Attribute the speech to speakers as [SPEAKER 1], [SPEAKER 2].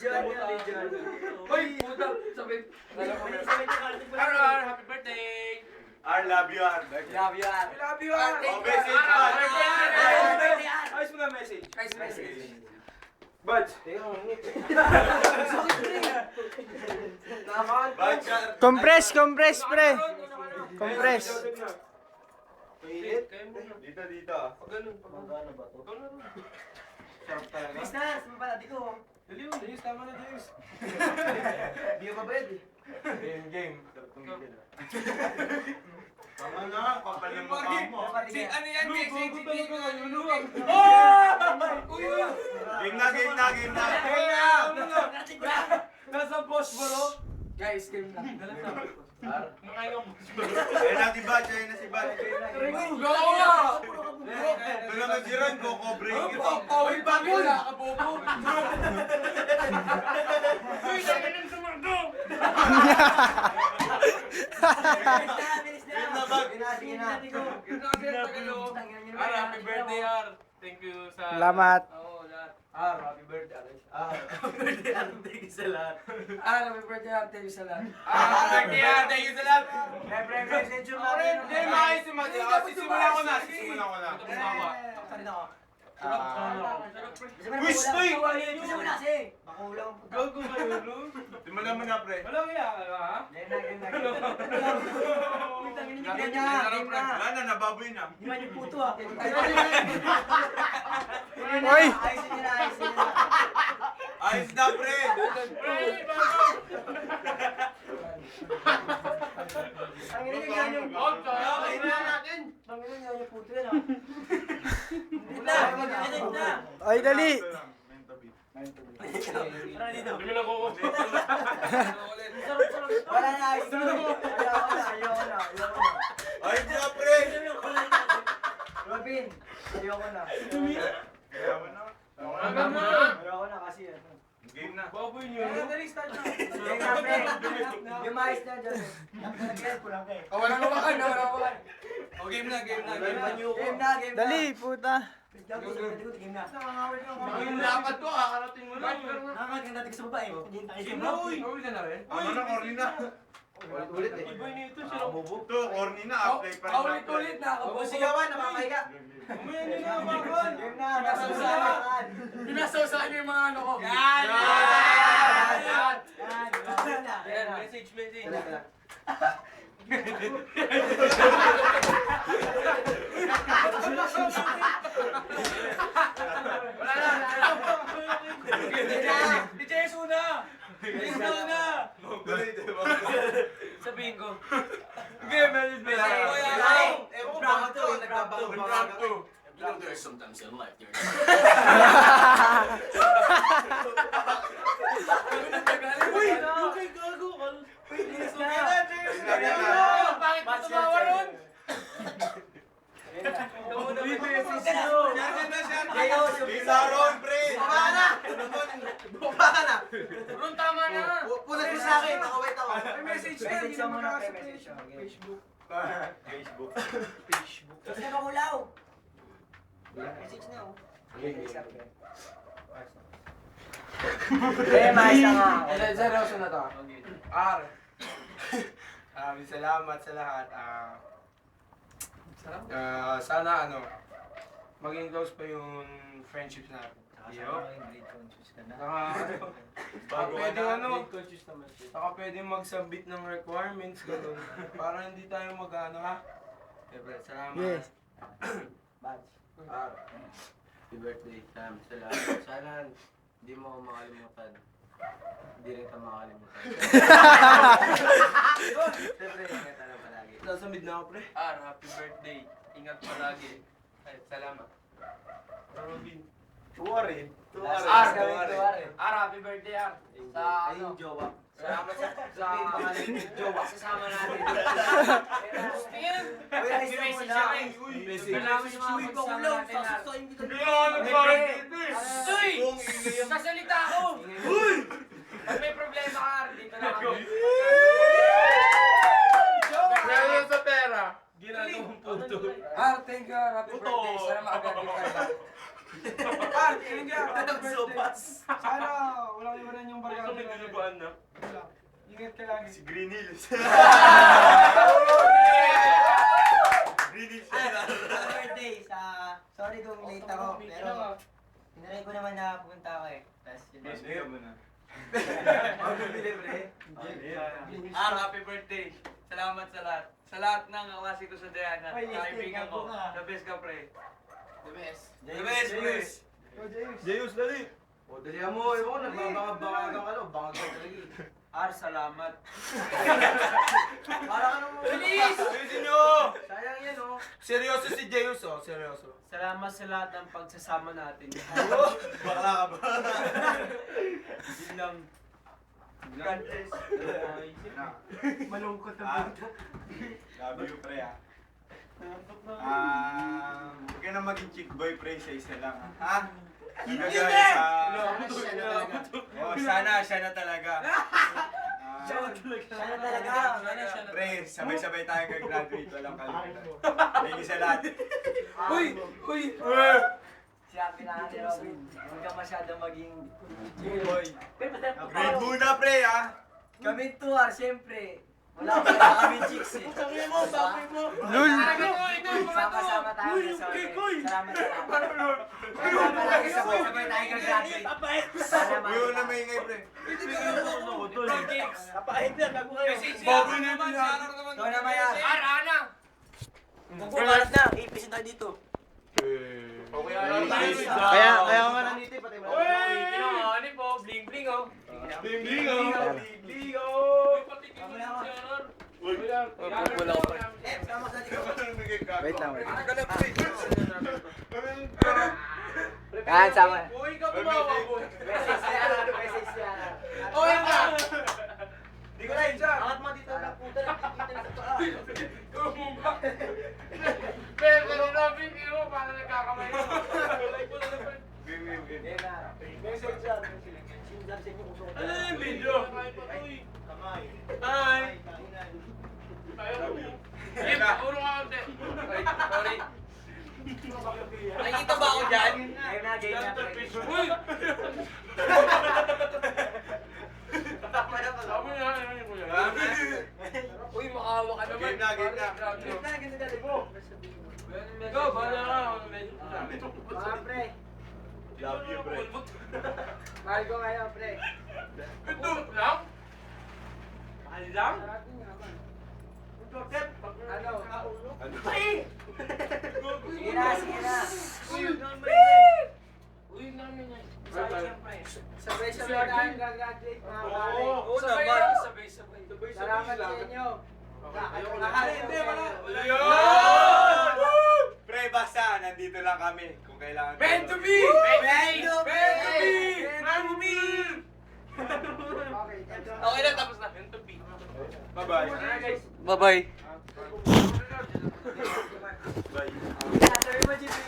[SPEAKER 1] Hoy, puta, sabi. Happy birthday!
[SPEAKER 2] R, love you, R.
[SPEAKER 3] Love you, Ar.
[SPEAKER 1] Love you, Ar.
[SPEAKER 2] Oh, message, Bud.
[SPEAKER 3] Ayos mo na message.
[SPEAKER 1] Nice message.
[SPEAKER 3] Buds.
[SPEAKER 2] Bud,
[SPEAKER 4] Compress, pre. Compress.
[SPEAKER 2] Mainit? Dito, dito.
[SPEAKER 1] Ganun, pagano ba to?
[SPEAKER 2] Sarap talaga.
[SPEAKER 3] Please na, sumapala dito.
[SPEAKER 1] Dali mo, Diyos, tama na, Diyos.
[SPEAKER 3] Hindi ko mabayad eh.
[SPEAKER 2] Game. Sarap tumigil. Tama na, kapal ng mukha mo.
[SPEAKER 1] Ano yan, message?
[SPEAKER 2] Game na.
[SPEAKER 1] Nasa boss mo, no? Guys, game na. Makain ang boss mo.
[SPEAKER 2] Ayun na si Bud, ayun na si Bud.
[SPEAKER 1] Go!
[SPEAKER 2] Ito naman si Ron, Coco Break.
[SPEAKER 1] Pawin pa mo! Nakabobo! Uy, sabi ng sumardo!
[SPEAKER 3] Bilis na.
[SPEAKER 2] Game na, Bud.
[SPEAKER 3] Sige na.
[SPEAKER 1] Happy birthday, Ar! Thank you sa...
[SPEAKER 4] Salamat.
[SPEAKER 1] Oo, lahat.
[SPEAKER 3] Happy birthday, Ar. Thank you sa lahat.
[SPEAKER 1] Happy birthday, Ar! Thank you sa lahat. Happy birthday, Ar! Thank you sa lahat!
[SPEAKER 3] Siyempre, message yung natin.
[SPEAKER 1] Hindi, makisimulan
[SPEAKER 2] Simulan ko na.
[SPEAKER 3] Salita ko.
[SPEAKER 2] Wish, Toy!
[SPEAKER 3] Gusto mo na kasi. Makulang po.
[SPEAKER 1] Gago ba yun, no?
[SPEAKER 2] Simulan mo na, pre.
[SPEAKER 1] Walang iya ka, ha?
[SPEAKER 3] Game na. Game na.
[SPEAKER 2] Wala na, nababoy na.
[SPEAKER 3] Hindi man yung puto ah.
[SPEAKER 4] Oy!
[SPEAKER 3] Ayusin niyo na.
[SPEAKER 2] Ayos na, pre.
[SPEAKER 3] Ang ina niya yung puto. Ang ina niya yung puto yan ah. Hindi na.
[SPEAKER 4] Ay, dali.
[SPEAKER 3] Tara dito.
[SPEAKER 1] Hindi mo na kuko.
[SPEAKER 3] Wala na. Ayoko na.
[SPEAKER 2] Ayos na, pre.
[SPEAKER 3] Robin, ayoko na. Ayoko na kasi ano.
[SPEAKER 2] Game na.
[SPEAKER 1] Baboy niyo. Dali, start na.
[SPEAKER 3] Game na, pre. Yung mais na dyan. Nag-get ko lang kayo.
[SPEAKER 1] Walang kawakan. O, game na.
[SPEAKER 3] Game na.
[SPEAKER 4] Dali, puta.
[SPEAKER 3] Game na.
[SPEAKER 1] Yung lapat ko, kakarating mo lang.
[SPEAKER 3] Nakakaganda natin sa babae.
[SPEAKER 1] Game na, uy. Uy na rin.
[SPEAKER 2] Ano na, corny na.
[SPEAKER 3] Ulit eh.
[SPEAKER 1] Iba nito siya.
[SPEAKER 2] Ito, corny na. Apply pa rin.
[SPEAKER 1] Ulit na.
[SPEAKER 3] Huwag sigawan, nakakahiga.
[SPEAKER 1] Umaya nyo na, Marlon.
[SPEAKER 3] Game na, nasasalakan.
[SPEAKER 1] Pinasawsahan niyo yung mga ano ko.
[SPEAKER 3] Yan!
[SPEAKER 1] Yan, message. Wala na. Di Jesu na. Sabihin ko. Okay, message. You know, there's sometimes in life there's... Uy! Okay, gago ka. Bakit mo tumawa ron?
[SPEAKER 2] Game na, Ron, pre.
[SPEAKER 3] Bumaba na!
[SPEAKER 1] Ron, tama na.
[SPEAKER 3] Pulat mo sa akin, nakawait ako.
[SPEAKER 1] May message na,
[SPEAKER 3] Message
[SPEAKER 1] hindi
[SPEAKER 3] mo
[SPEAKER 1] naman
[SPEAKER 3] na,
[SPEAKER 1] nakasa
[SPEAKER 3] message mo.
[SPEAKER 1] Facebook.
[SPEAKER 2] Facebook.
[SPEAKER 3] Kasi na makulaw. Message na oh. Mais na nga.
[SPEAKER 1] Seryoso na to. R.
[SPEAKER 5] Salamat sa lahat. Sana maging close pa yung friendships natin.
[SPEAKER 2] Bago
[SPEAKER 5] Pwede
[SPEAKER 2] na.
[SPEAKER 5] Saka pwede magsubmit ng requirements ganun. Para hindi tayo ha. Siyempre, salamat.
[SPEAKER 4] Yes.
[SPEAKER 6] Happy birthday, Sam. Sana hindi mo ako makalimutan. Hindi rin ka makalimutan. Siyempre, ingat ka na palagi.
[SPEAKER 5] Nasa mid na ako, pre.
[SPEAKER 1] R, happy birthday. Ingat palagi. Ay, salamat.
[SPEAKER 5] Robin.
[SPEAKER 2] Tuwarin.
[SPEAKER 1] R, happy birthday, R. Sa ano?
[SPEAKER 3] Jowa.
[SPEAKER 1] Salamat sa jowa. Sasama natin. Tingin!
[SPEAKER 3] Uy, ayos na muna.
[SPEAKER 1] Salamat yung mga magsama natin, R. Uy! Sasalita ako! Uy! Pag may problema ka, R, dito na ako.
[SPEAKER 5] Meron sa pera.
[SPEAKER 1] Ginagawang puto. R, thank you, R. Happy birthday. Sana makagaling tayo.
[SPEAKER 5] Par, yun nga. Happy birthday. Sana walang iwanan yung barkada.
[SPEAKER 2] na.
[SPEAKER 5] Wala. Ingat ka lagi.
[SPEAKER 2] Si Green Hills. Green Hills.
[SPEAKER 3] birthday sa... Sorry kung late ako, pero... Hinaray ko naman na pupunta ako eh. Tapos yun.
[SPEAKER 2] Masaya mo na.
[SPEAKER 1] Happy birthday. Salamat sa lahat. Sa lahat ng kaklase ko sa Diana.
[SPEAKER 3] Ay, yes,
[SPEAKER 1] Kaibigan ko.
[SPEAKER 3] gago ka.
[SPEAKER 1] The best ka, pre.
[SPEAKER 6] The best.
[SPEAKER 1] The best, pre.
[SPEAKER 5] Oh, James.
[SPEAKER 2] Jayus, dali.
[SPEAKER 6] O, dali mo. Ewan ko, nagbabangag-bangagang ano. Bangag ka talaga.
[SPEAKER 1] Salamat.
[SPEAKER 6] Para ka naman.
[SPEAKER 1] Bilis!
[SPEAKER 2] Ayusin nyo!
[SPEAKER 6] Sayang yan, oh.
[SPEAKER 2] Seryoso si Jayus, oh. Seryoso.
[SPEAKER 1] Salamat sa lahat ng pagsasama natin.
[SPEAKER 2] Bakla ka ba?
[SPEAKER 1] Yun lang. God bless.
[SPEAKER 3] Malungkot
[SPEAKER 2] Ah, love you, pre, ah. Huwag ka na maging chick boy, pre, sa isa lang, ha?
[SPEAKER 3] Hindi!
[SPEAKER 2] Sana siya na talaga.
[SPEAKER 3] Sana talaga.
[SPEAKER 2] Pre, sabay-sabay tayo graduate, walang kalimutan. Thank you sa lahat.
[SPEAKER 1] Uy!
[SPEAKER 3] Sabi na ni Robin, huwag ka masyadong maging...
[SPEAKER 2] Boy.
[SPEAKER 3] Pero basta
[SPEAKER 2] Grade muna, pre, ha?
[SPEAKER 3] kami tuwar, siyempre. Wala kami chicks eh.
[SPEAKER 1] Sabi mo, sabi mo.
[SPEAKER 4] Lul!
[SPEAKER 3] Sama-sama tayo sa sorry. Salamat sa lahat. Sama lagi sabay tayo gagraduate. Sana
[SPEAKER 2] Uy, na may ingay, pre.
[SPEAKER 1] Baboy na naman.
[SPEAKER 3] Ikaw naman yan.
[SPEAKER 1] Ana!
[SPEAKER 3] Magbubalat na, ipisin tayo dito.
[SPEAKER 4] Kaya nga nandito.
[SPEAKER 1] Uy! Ano po? Bling bling oh.
[SPEAKER 2] Bling, oh.
[SPEAKER 1] Wala ko.
[SPEAKER 3] Eh, sama sa dito.
[SPEAKER 4] Wait lang, wait.
[SPEAKER 3] Yan, sama.
[SPEAKER 1] Uy, ka bumawa po.
[SPEAKER 3] Message niya.
[SPEAKER 1] Uy ka!
[SPEAKER 2] Di ko na yun, siya.
[SPEAKER 3] Angat mo dito na puta, nakikita na sa paa.
[SPEAKER 1] Pero Robin, mo, parang nagkakamay mo.
[SPEAKER 3] Yan na. Message siya. Sindan sa inyo kung
[SPEAKER 1] Ano yung video?
[SPEAKER 3] Kamay.
[SPEAKER 1] Hi! Game, puro ka konti. Ay, sorry. Nakikita ba ako dyan?
[SPEAKER 3] Game na, game na.
[SPEAKER 1] Uy!
[SPEAKER 3] Tama na pala.
[SPEAKER 1] Sabi na, ano yun, kuya? Uy, makawa ka naman.
[SPEAKER 2] Game na, game na.
[SPEAKER 3] Game na, ganda dali mo.
[SPEAKER 1] Go, bala ka. Medyo
[SPEAKER 3] Mga pre.
[SPEAKER 2] Love you, pre.
[SPEAKER 3] Mahal ko kayo, pre.
[SPEAKER 1] Ito lang? Mahal lang?
[SPEAKER 3] Ano?
[SPEAKER 2] Ano?
[SPEAKER 3] Sige na, sige na.
[SPEAKER 1] Uy, namin yan.
[SPEAKER 3] Sabay-sabay tayong gagraduate, mga pare.
[SPEAKER 1] Oo naman. Sabay-sabay.
[SPEAKER 3] Salamat sa inyo.
[SPEAKER 2] Hindi, wala. Pre, basta, nandito lang kami. Kung kailangan.
[SPEAKER 1] Meant to be!
[SPEAKER 3] Meant to be!
[SPEAKER 1] Meant to be! Okay na, tapos na. Meant to be.
[SPEAKER 2] Bye-bye.
[SPEAKER 4] Bye-bye.
[SPEAKER 2] Bye.
[SPEAKER 3] Sabi mo, Jimmy.